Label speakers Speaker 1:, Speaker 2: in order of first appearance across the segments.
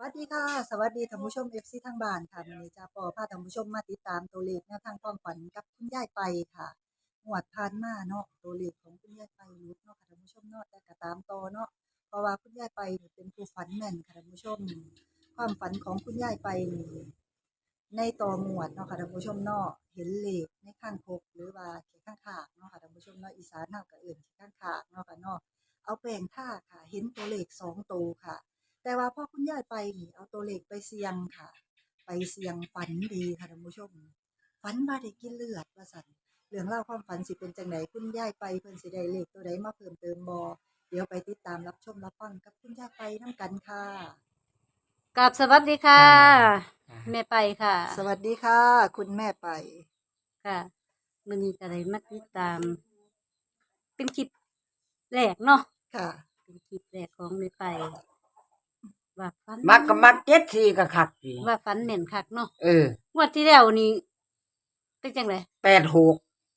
Speaker 1: วัสดีค่ะสวัสดีท่านผู้ชม FC ทางบ้านค่ะวันนี้จะปอพาท่านผู้ชมมาติดตามตัวเลขแนวทางความฝันกับคุณยายไปค่ะงวดผ่านมาเนาะตัวเลขของคุณยายไปหลุดเนาะค่ะท่านผู้ชมเนาะแต่ก็ตามต่อเนาะเพราะว่าคุณยายไปนี่เป็นผู้ฝันแม่นค่ะท่านผู้ชมความฝันของคุณยายไปนี่ในต่องวดเนาะค่ะท่านผู้ชมเนาะเห็นเลขในข้างคกหรือว่าเขียนข้างขากเนาะค่ะท่านผู้ชมเนาะอีสานเฮาก็เอิ้นเขียนข้างขากเนาะค่ะเนาะเอาแป้งทาค่ะเห็นตัวเลข2ตัวค่ะ แต่ว่าพอคุณยายไปนี่เอาตัวเลขไปเสี่ยงค่ะไปเสี่ยงฝันดีค่ะท่านผู้ชมฝันว่าได้กินเลือดว่าซั่นเรื่องราวความฝันสิเป็นจังไดคุณยายไปเพิ่นสิได้เลขตัวใดมาเพิ่มเติมบ่เดี๋ยวไปติดตามรับชมรับฟังกับคุณยายไปนำกันค่ะ
Speaker 2: กับสวัสดีค่ะ แม่ไปค่ะ
Speaker 1: สวัสดีค่ะ คุณแม่ไป
Speaker 2: ค่ะมื้อนี้ก็ได้มาติดตาม เป็นคลิปแรกเนาะ
Speaker 1: ค่ะ
Speaker 2: เป็นคลิปแรกของแม่ไป ว่าฝัน
Speaker 3: มักก็มัก74ก็คักสิ
Speaker 2: ว่าฝันแม่นคักเนาะ
Speaker 3: ง
Speaker 2: วดที่แล้วนี่เป็นจังได๋
Speaker 3: 86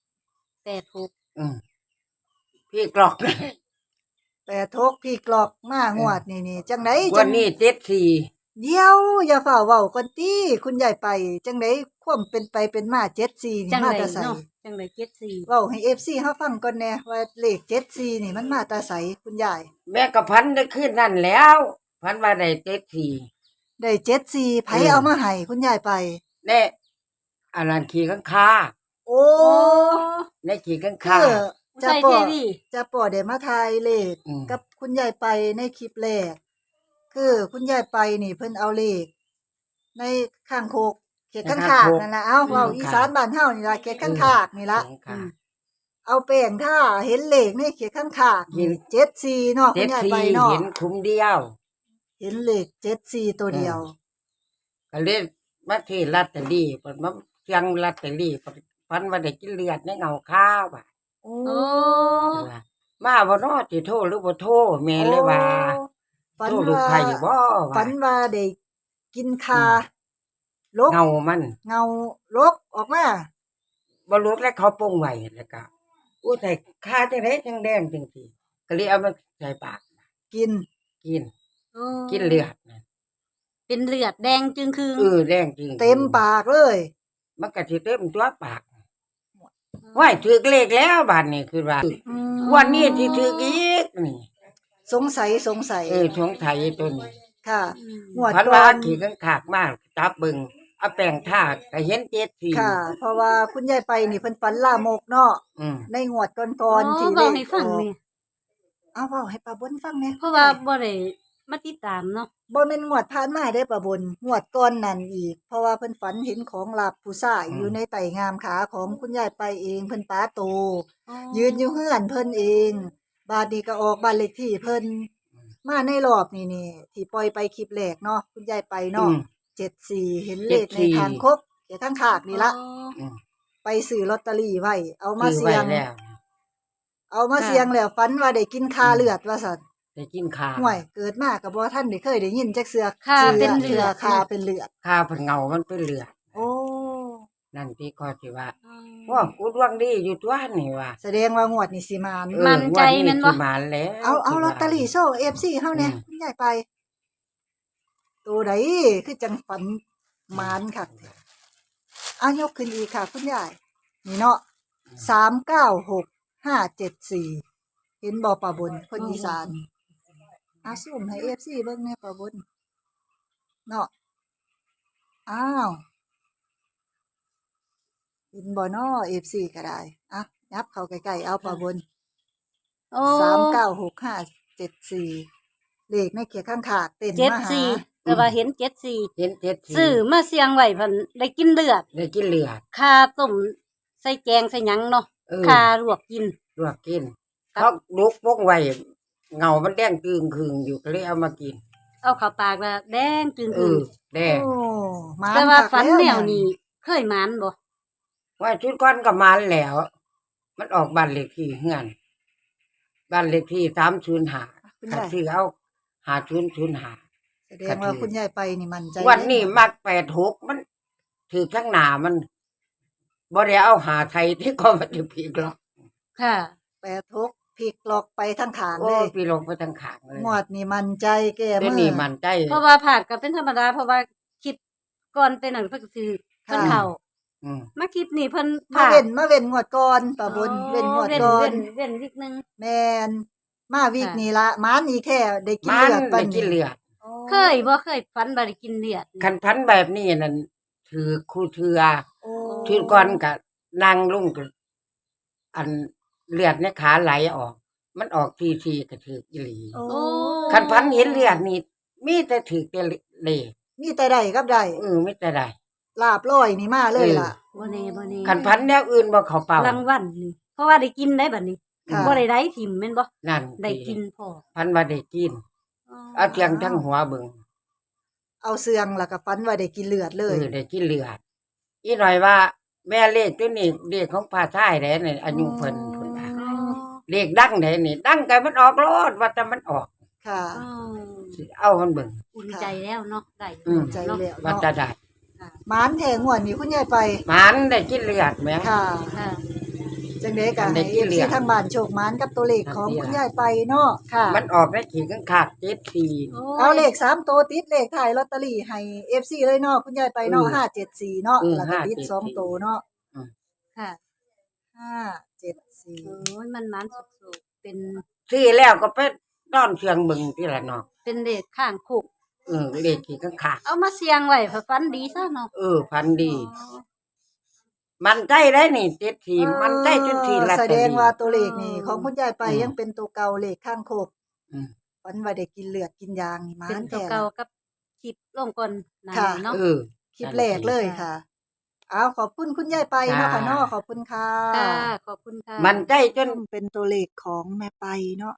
Speaker 2: 86
Speaker 3: พี่กรอก
Speaker 1: แต่ทกพี่กลอกมางวดนี่จังได๋
Speaker 3: วั
Speaker 1: จั
Speaker 3: น
Speaker 1: ง
Speaker 3: นี้74
Speaker 1: เดี๋ยวอย่าฝ่าเว้าก่อนติคุณยายไปจังได๋ความเป็นไปเป็นมา74นี่
Speaker 2: จัง
Speaker 1: มา
Speaker 2: ได๋
Speaker 1: แต่ไส
Speaker 2: เนาะจังได๋74
Speaker 1: เว้าให้ FC เฮาฟังก่อนแหน่ว่าเลข74นี่มันมาแต่ไสคุณยาย
Speaker 3: แม่ก็พันได้คืนนั่นแล้วพันว่าได้74
Speaker 1: ได้74ไผเอามาให้คุณยายไป
Speaker 3: แน่อันนั้นขี่ข้างคา
Speaker 1: โอ้
Speaker 2: โอ้
Speaker 3: ในขี่ข้าง
Speaker 1: คื
Speaker 3: คา
Speaker 1: อจะ
Speaker 2: ใส่
Speaker 1: ป
Speaker 2: เท
Speaker 1: อ
Speaker 2: วี
Speaker 1: จะปอได้มาทายเลข กับคุณยายไปในคลิปแรกคือคุณยายไปนี่เพิ่นเอาเลขในข้างโคกเขตข้างขากนั่นล่ะเอ้าเว้าอีสานบ้านเฮานี่ล่ะเขตข้างขากนี่ล่ะ
Speaker 3: ข้างคา
Speaker 1: เอาแป้งทาเห็นเลขในเขตข้างขากนี่74เนาะคุณยายไปเนาะ
Speaker 3: 74เห็นคุ้มเดียว
Speaker 1: เห็นเลข74ตัวเดียว
Speaker 3: ก็เลยมาที่ลอตเตอรี่เพิ่นมาเสียงลอตเตอรี่พันว่าได้กินเลือดในเงาข้าวอ่ะ
Speaker 1: โอ้
Speaker 2: โอ้
Speaker 3: มาบ่รอดสิโทรหรือบ่โทรแม่เลยว่า
Speaker 1: ฝัน
Speaker 3: โทรลูก
Speaker 1: ว่า
Speaker 3: ไผ่บ่ว่า
Speaker 1: ฝันว่าได้กินคาลก
Speaker 3: เงามัน
Speaker 1: เงาลกออกมา
Speaker 3: บ่รู้แล้วเขาปรุงไว้แล้วก็อู้แต่ค่าจังได๋จังแดงจังซี่ก็เลยเอามาใส่ปาก
Speaker 1: กิน
Speaker 3: กิน
Speaker 2: โอ้
Speaker 3: กินเลือดนะ
Speaker 2: เป็นเลือดแดงจึงคือ
Speaker 3: แดงจริง
Speaker 1: เต็มปากเลย
Speaker 3: มันก็สิเต็มตัวปากว้ายถูกเลขแล้วบัดนี้คือว่า
Speaker 1: อืม
Speaker 3: วันนี้สิถูกอีกนี่
Speaker 1: สงสัย
Speaker 3: สงสัยตัวนี้
Speaker 1: ค่ะ
Speaker 2: อืม
Speaker 1: งวด
Speaker 3: พัน
Speaker 1: ก่
Speaker 3: ว่า
Speaker 1: อน
Speaker 3: ขี่ข้างขากมากจับเบิ่งเอาแป้งทาก็เห็น74
Speaker 1: ค่ะ เพราะว่าคุณยายไปนี่เพิ่นฝันลามกเนาะ
Speaker 3: อืม
Speaker 1: ในงวดก่อนๆที่
Speaker 2: เว้าให้ฟัง
Speaker 1: ออก
Speaker 2: นี่
Speaker 1: เอาเว้าให้ป้าบนฟังแหน่
Speaker 2: เพราะว่าบ่ได้มาติดตามเนาะ
Speaker 1: บ่แม่นงวดผ่านมาเด้ป้าบนงวดก่อนนั่นอีก เพราะว่าเพิ่นฝันเห็นของลับผู้ชายอยู่ในไต่งามขาของคุณยายไปเองเพิ่นตาโต ยืนอยู่เฮือนเพิ่นเอง บาดนี้ก็ออกบ้านเลขที่เพิ่นมาในรอบนี่ที่ปล่อยไปคลิปแรกเนาะคุณยายไปเนาะ74เห็นเลขในทางคกเดี๋ยวทางขากนี่ละ
Speaker 3: อืม
Speaker 1: ไปซื้อลอตเตอรี่ไว้เอามา
Speaker 3: ซื้อ
Speaker 1: เสี่ยง
Speaker 3: ไว้แล้ว
Speaker 1: เอามาเสี่ยงแล้วฝันว่าได้กินคาเลือดว่าซั่น
Speaker 3: ได้กินข้าว
Speaker 1: ห่วยเกิดมาก็บ่ทันได้เคยได้ยินจักเสือ
Speaker 2: ค่ะเป็นเลือด
Speaker 1: คาเป็นเลือด
Speaker 3: ข้าวเพิ่นเงามันเป็นเลือด
Speaker 1: โอ้
Speaker 3: นั่นพี่ก็สิว่าว่ากูดวงดีอยู่ตัวนี่ว่า
Speaker 1: แสดงว่างวดนี้สิมาน
Speaker 2: มั่นใจแม่นบ่
Speaker 3: สิมาแล้ว
Speaker 1: เอาลอตเตอรี่โชว์ FC เฮาแหน่
Speaker 3: อืม
Speaker 1: คุณยายไป ตัวใดคือจังฝันมานคักแท้อ่ะยกขึ้นอีกค่ะ คุณยายนี่เนาะ396574เห็นบ่ป้าบนคนอีสานอ่ะซูมให้ FC เบิ่งแหน่ป้าบนเนาะอ้าวเห็นบ่เนาะ FC ก็ได้อ่ะยับเข้าใกล้ๆเอาป้าบน
Speaker 2: โอ้
Speaker 1: 396574เลขในเขียข้างขากเต้นมาหา
Speaker 2: 74แต่ว่าเห็น74
Speaker 3: เห็น74
Speaker 2: ซื้อมาเสียงไว้เพิ่นได้กินเลือด
Speaker 3: ได้กินเลือด
Speaker 2: คาต้มใส่แกงใส่หยังเนาะ คาลวกกิน
Speaker 3: ลวกกิน
Speaker 2: ครับ
Speaker 3: เขาลุกปกไว้เงามันแดงจึงคืงอยู่ก็เลยเอามากิน
Speaker 2: เอาเข้าปากแล้วแดงจึง
Speaker 3: เอ
Speaker 2: คือ
Speaker 3: อแดง
Speaker 1: โอ้มาน
Speaker 2: แต่ว่า
Speaker 1: คัก
Speaker 2: ฝัน
Speaker 1: ล้ว
Speaker 2: แนวนี้เคยหมานบ่
Speaker 3: ว่าชุดก้อนก็มาแล้ว มันออกบ้านเลขที่เฮือนบ้านเลขที่305
Speaker 1: คุณ
Speaker 3: ถ้าย
Speaker 1: าย
Speaker 3: ซื้อเอา5005
Speaker 1: แสดงว่าคุณยายไปนี่มั่นใจ
Speaker 3: วันนี้
Speaker 1: เลย
Speaker 3: มัก86มันถือข้างหน้ามันบ่ได้เอาหาไทยที่ก็มันจะพีกหรอก
Speaker 2: ค่ะ
Speaker 1: 86 พลิกล็อกไปทั้งขางเล
Speaker 3: โอ้
Speaker 1: ย
Speaker 3: พี่ลงไปทางขางเลย
Speaker 1: งวดนี่มันใจแก้
Speaker 3: เดี๋ยว
Speaker 1: มื
Speaker 3: นี้
Speaker 1: อ
Speaker 3: มันใจ
Speaker 2: เพราะว่าผาดก็เป็นธรรมดาเพราะว่าคลิปก่อนเป็นหนังเพิ่นก็คือเพิ่น
Speaker 1: ค่ะ
Speaker 2: เข้า
Speaker 3: อืม
Speaker 2: มาคลิปนี้เพิ่น
Speaker 1: มาเว้นงวดก่อนป้าบน
Speaker 2: อ๋อ
Speaker 1: เว้นงวด
Speaker 2: เว้น
Speaker 1: ก่อ
Speaker 2: เว้
Speaker 1: น
Speaker 2: นเว้นวิกนึง
Speaker 1: แม่นมาวีก
Speaker 2: ค่ะ
Speaker 1: นี้ละหมานอีแท้ได้กิน
Speaker 3: มัน
Speaker 1: เลือดปั
Speaker 3: ได้
Speaker 1: น
Speaker 3: กินเลือด
Speaker 1: โอ้
Speaker 2: เคยบ่เคยฝันบ่ได้กินเลือด
Speaker 3: คันพันแบบนี้นั่นถือครูเทือ
Speaker 1: โอ้
Speaker 3: ถือก่อนก็นั่งลงก็อันเลือดในขาไหลออก มันออกทีๆก็ถืออีหลี
Speaker 1: โอ้
Speaker 2: โอ้
Speaker 3: คันพันเห็นเลือดนี่มีแต่ถือแต่เลข
Speaker 1: มีแต่ได้กับได้
Speaker 3: มีแต่ได้
Speaker 1: ลาบลอยนี่มาเลยล่ะ
Speaker 2: บ่แน่บ่แน่
Speaker 3: คันพันแนวอื่นบ่เข้าเป้าร
Speaker 2: างวัลนี่เพราะว่าได้กินได้บัดนี้
Speaker 1: ค่ะ
Speaker 2: บ่ได้ได้ถิ่มแม่นบ่
Speaker 3: นั่น
Speaker 2: ได้กินพอ
Speaker 3: พันว่าได้กิน เอาเทียงทั้งหัวเบิ่ง
Speaker 1: เอาเสื่องแล้วก็ฟันว่าได้กินเลือดเลย
Speaker 3: ได้กินเลือดอีหน่อยว่า แม่เลขตัวนี้เลขของพาท้ายได้นี่อายุเพิ่นว่า
Speaker 2: อ๋อ
Speaker 3: เลขดังได้นี่ดังไกมันออกโลดว่าแต่มันออก
Speaker 1: ค่ะ
Speaker 2: อ๋อ
Speaker 3: สิเอามันเบิ่ง
Speaker 2: อุ่นใจแล้วเนาะได้
Speaker 1: ใจ
Speaker 2: เนาะ
Speaker 1: แล้ว
Speaker 3: ว่า
Speaker 1: เนาะ
Speaker 3: จะได้
Speaker 1: หมานแทงงวดนี้คุณยายไป
Speaker 3: มันได้กินเลือดแหม
Speaker 1: ค่ะ
Speaker 2: ค่ะ
Speaker 1: จังได๋ก็
Speaker 3: ได้
Speaker 1: ให้
Speaker 3: กินเลือด
Speaker 1: ที่ทางบ้านโชคหมานกับตัวเลขของคุณยายไปเนาะค่ะ
Speaker 3: มันออกได้ขี่ข้างขาดเจ็ดที
Speaker 1: เอาเลข3ตัวติดเลขท้ายลอตเตอรี่ให้ FC เลยเนาะคุณยายไปเนาะ574เนาะแล้วก็ติด2ตัวเนาะ
Speaker 2: ค่ะ
Speaker 1: 574
Speaker 2: โอ้ยมันมันสุกๆเป็น
Speaker 3: ที่แล้วก็ไปนอนเชียงเบิ่งที่ละเนาะ
Speaker 2: เป็นเด็กข้างคุก
Speaker 3: เลขขี่ข้างขาด
Speaker 2: เอามาเสียงไว้เพื่อฝันดีซะเนาะ
Speaker 3: พันดี มันใจได้นี่เจ็ดทีมันใจจนทีละ
Speaker 1: แสดงว่าตัวเลขนี่ของคุณยายไปยังเป็นตัวเก่าเลขข้างโคก
Speaker 3: อืม
Speaker 1: ฝันว่าได้กินเลือดกินยางนี่หมา
Speaker 2: เป็น
Speaker 1: น
Speaker 2: ตัว
Speaker 1: แท้
Speaker 2: เก่ากับคลิปลงก่อนหนา
Speaker 1: ค่ะ
Speaker 2: เนาะ
Speaker 1: คลิปแรกเลยค่ะ เอาขอบคุณคุณยายไปเนาะค่ะเนาะขอบคุณค่ะ
Speaker 2: ค่ะ ขอบคุณค่ะ
Speaker 3: มันใจจน
Speaker 1: เป็นตัวเลขของแม่ไปเนาะ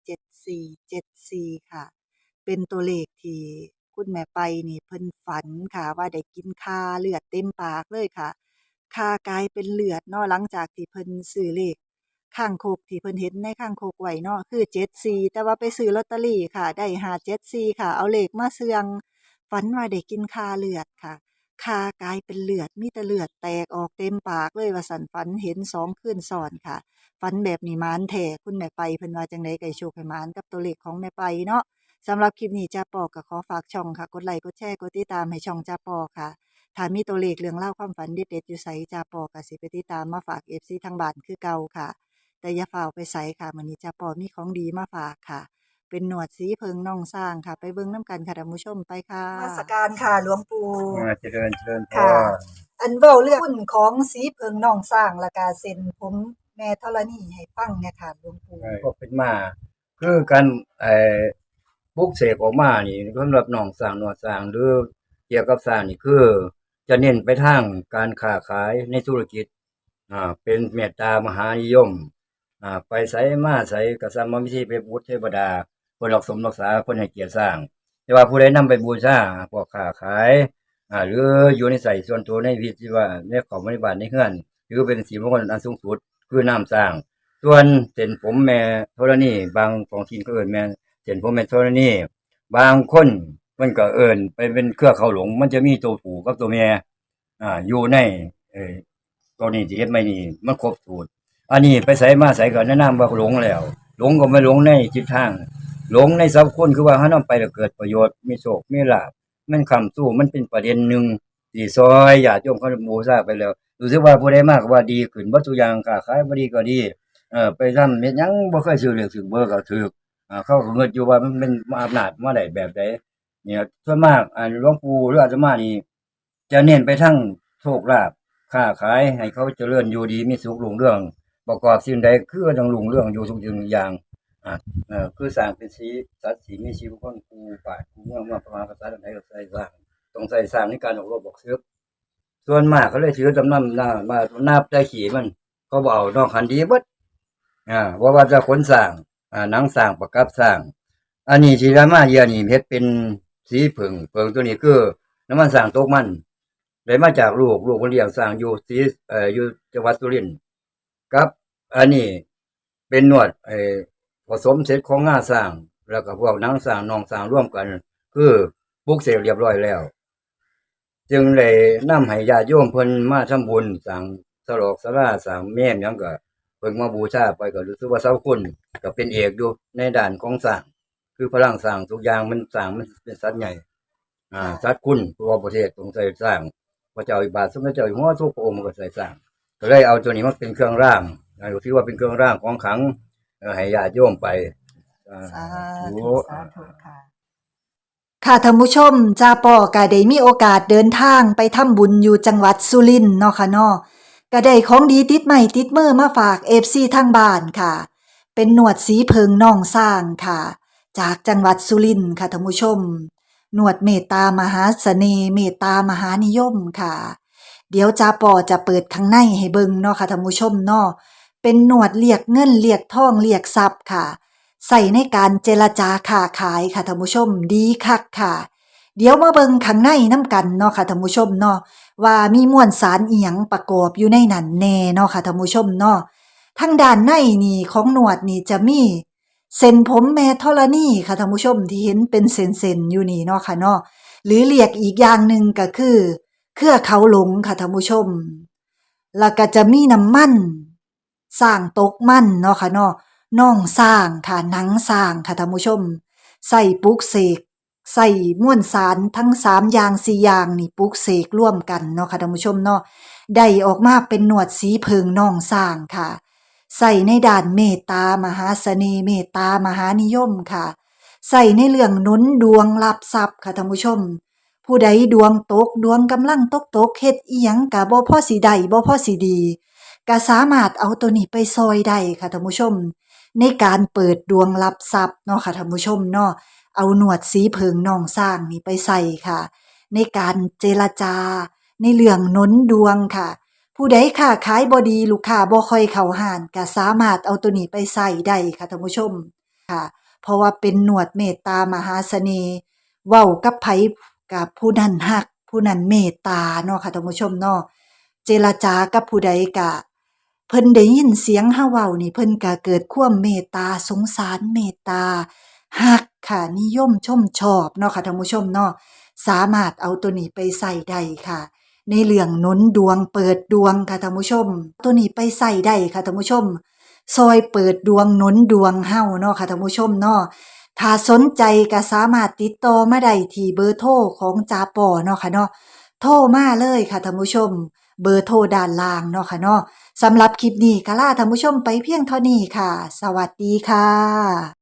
Speaker 1: 57474ค่ะ เป็นตัวเลขที่คุณแม่ไปนี่เพิ่นฝันค่ะ ว่าได้กินคาเลือดเต็มปากเลยค่ะคากลายเป็นเลือดเนาะหลังจากที่เพิ่นซื้อเลขข้างโคกที่เพิ่นเห็นในข้างโคกไว้เนาะคือ74แต่ว่าไปซื้อลอตเตอรี่ค่ะ ได้574ค่ะ เอาเลขมาเสี่ยงฝันว่าได้กินคาเลือดค่ะ คากลายเป็นเลือดมีแต่เลือดแตกออกเต็มปากเลยว่าสันฝันเห็น2คืนซ้อนค่ะฝันแบบนี้หมานแท้คุณแม่ไปเพิ่นว่าจังได๋ก็ให้โชคให้หมานกับตัวเลขของแม่ไปเนาะสำหรับคลิปนี้จ้าปอก็ขอฝากช่องค่ะกดไลค์กดแชร์กดติดตามให้ช่องจ้าปอค่ะถ้ามีตัวเลขเรื่องเล่าวความฝันเด็ดๆอยู่ไสจ้าปอก็สิไปติดตามมาฝาก FC ทางบ้านคือเก่าค่ะ แต่อย่าฝ่าไปไสค่ะมื้อนี้จ้าปอมีของดีมาฝากค่ะ เป็นหนวดสีเพิงน่องสร้างค่ะ ไปเบิ่งน้ำกันค่ะท่านผู้ชมไปค่ะนมัสการค่ะหลวงปู่
Speaker 4: เจริญพ
Speaker 1: ค่ะ
Speaker 4: ร
Speaker 1: อันเว้าเรื่องหุ้นของสีเพิงน่องสร้างแล้วก็เส้นผมแม่ธรณีให้ฟังเนี่ยค่ะหลวงปู่
Speaker 4: ก็เป็นมา คือการปลุกเสกออกมานี่สำหรับหนองสร้างหนวดสร้างหรือเกี่ยวกับสร้างนี่คือ จะเน้นไปทางการค้าขายในธุรกิจเป็นเมตตามหานิยมไปไสมาไสก็สามวิธีไปบูชเทวดาเพิ่นรักสมรักษาเพิ่นให้เกียรติสร้าง แต่ว่าผู้ใดนำไปบูชาพวกค้าขายหรืออยู่ในใส่ส่วนตัวในวิธีว่าในของบริบาลในเฮือนถือเป็นสีมงคลอันสูงสุดคือน้ำสร้าง ส่วนเส้นผมแม่ธรณีบางของทีนก็เอิ้นแม่เส้นผมแม่ธรณีบางคนมันก็เอิ้นไปเป็นเครือเขาหลงมันจะมีตัวผู้กับตัวแม่อยู่ในตัวนี้ที่เฮ็ดไม่นี่มันครบสูตรอันนี้ไปไสมาไสก็แนะนำว่าหลงแล้ว หลงก็ไม่หลงในจิตทาง หลงในสัพคนคือว่าเฮานำไปแล้วเกิดประโยชน์มีโชคมีลาภมันค้ำสู้มันเป็นประเด็นหนึ่งที่ซอยญาติโยมเขาบูชาไปแล้วรู้สึกว่าผู้ใดมากว่าดีขึ้นบ่ทุกอย่างค้าขายบ่ดีก็ดีไปทำเฮ็ดหยังบ่เคยซื้อเลขซื้อเบอร์ก็ถูกเขาก็เงิดอยู่ว่ามันเป็นอำนาจมาได้แบบใดเนี่ยส่วนมากหลวงปู่หรืออาตมานี่จะเน้นไปทางโชคลาภค้าขายให้เขาเจริญอยู่ดีมีสุขรุ่งเรืองประกอบสิ่งใดคือต้องรุ่งเรืองอยู่ทุกสิ่งทุกอย่างคือสร้างเป็นสีสัตว์สีมีชีวิตคนปูป่าปูเมืองมาประมาณภาษาใดก็ใส่สร้างต้องใส่สร้างในการออกรบบอกซื้อส่วนมากเขาเลยถือจำนำมานับใจขี่มันเขาบอกเอานอกคันดีเบิดว่าจะขนสร้างหนังสร้างประกับสร้างอันนี้ที่รามาเยียนี่เฮ็ดเป็นสีเผิงตัวนี้คือน้ำมันสร้างตกมันได้มาจากลูกคนเลี้ยงสร้างอยู่สีอยู่จังหวัดสุรินทร์ครับอันนี้เป็นนวดผสมเสร็จของงาสร้างแล้วก็พวกหนังสร้างนองสร้างร่วมกันคือปลุกเสกเรียบร้อยแล้วจึงได้นำให้ญาติโยมเพิ่นมาทำบุญสร้างสลอกศาลาสร้างแม่นหยังก็เพิ่งมาบูชาไปก็รู้สึกว่าเสาคุณก็เป็นเอกอยู่ในด้านของสร้างคือพลังสร้างทุกอย่างมันสร้างมันเป็นสัตว์ใหญ่สัตว์คุณทั่วประเทศต้องใส่สร้างพระเจ้าอิบาทสมเด็จเจ้าอยู่หัวทุกพระองค์มันก็ใส่สร้างก็เลยเอาตัวนี้มาเป็นเครื่องร่างถือว่าเป็นเครื่องร่างของขลังให้ญาติโยมไป
Speaker 1: สา
Speaker 4: ธุ
Speaker 1: ธุสาธุค่ะ ค่ะท่านผู้ชมจ้าปอก็ได้มีโอกาสเดินทางไปทำบุญอยู่จังหวัดสุรินทร์เนาะค่ะเนาะก็ได้ของดีติดใหม่ติดมือมาฝาก FC ทางบ้านค่ะ เป็นหนวดสีเพิงน่องสร้างค่ะ จากจังหวัดสุรินทร์ค่ะท่านผู้ชมหนวดเมตตามหาเสน่ห์เมตตามหานิยมค่ะ เดี๋ยวจ้าปอจะเปิดข้างในให้เบิ่งเนาะค่ะท่านผู้ชมเนาะเป็นหนวดเรียกเงินเรียกทองเรียกทรัพย์ค่ะ ใส่ในการเจรจาค้าขายค่ะท่านผู้ชมดีคักค่ะ เดี๋ยวมาเบิ่งข้างในน้ำกันเนาะค่ะท่านผู้ชมเนาะว่ามีมวลสารอีหยังประกอบอยู่ในนั้นแน่เนาะค่ะท่านผู้ชมเนาะทางด้านในนี่ของหนวดนี่จะมีเส้นผมแม่ธรณีค่ะท่านผู้ชมที่เห็นเป็นเส้นๆอยู่นี่เนาะค่ะเนาะหรือเรียกอีกอย่างหนึ่งก็คือเครือเขาหลงค่ะท่านผู้ชมแล้วก็จะมีน้ำมันสร้างตกมันเนาะค่ะเนาะน่องสร้างค่ะหนังสร้างค่ะท่านผู้ชมใส่ปลุกเสกใส่มวลสารทั้ง3อย่าง4อย่างนี่ปลุกเสกร่วมกันเนาะค่ะท่านผู้ชมเนาะได้ออกมาเป็นหนวดสีเพิงน่องสร้างค่ะใส่ในด้านเมตตามหาเสน่ห์เมตตามหานิยมค่ะใส่ในเรื่องหนุนดวงรับทรัพย์ค่ะท่านผู้ชมผู้ใดดวงตกดวงกำลังตกเฮ็ดอีหยังก็บ่พอสิได้บ่พอสิดีก็สามารถเอาตัวนี้ไปซอยได้ค่ะท่านผู้ชมในการเปิดดวงรับทรัพย์เนาะค่ะท่านผู้ชมเนาะเอาหนวดสีเพิงน่องสร้างนี่ไปใส่ค่ะในการเจรจาในเรื่องหนุนดวงค่ะผู้ใดค้าขายบ่ดีลูกค้าบ่ค่อยเข้าห้านก็สามารถเอาตัวนี้ไปใส่ได้ค่ะท่านผู้ชมค่ะเพราะว่าเป็นหนวดเมตตามหาเสน่ห์เว้ากับไผกับผู้นั้นฮักผู้นั้นเมตตาเนาะค่ะท่านผู้ชมเนาะเจรจากับผู้ใดก็เพิ่นได้ยินเสียงเฮาเว้านี่เพิ่นก็เกิดความเมตตาสงสารเมตตาฮักค่ะนิยมชมชอบเนาะค่ะท่านผู้ชมเนาะสามารถเอาตัวนี้ไปใส่ได้ค่ะในเรื่องหนุนดวงเปิดดวงค่ะท่านผู้ชมตัวนี้ไปใส่ได้ค่ะท่านผู้ชมซอยเปิดดวงหนุนดวงเฮาเนาะค่ะท่านผู้ชมเนาะถ้าสนใจก็สามารถติดต่อมาได้ที่เบอร์โทรของจาปอเนาะค่ะเนาะโทรมาเลยค่ะท่านผู้ชมเบอร์โทรด้านล่างเนาะค่ะเนาะสำหรับคลิปนี้ก็ลาท่านผู้ชมไปเพียงเท่านี้ค่ะ สวัสดีค่ะ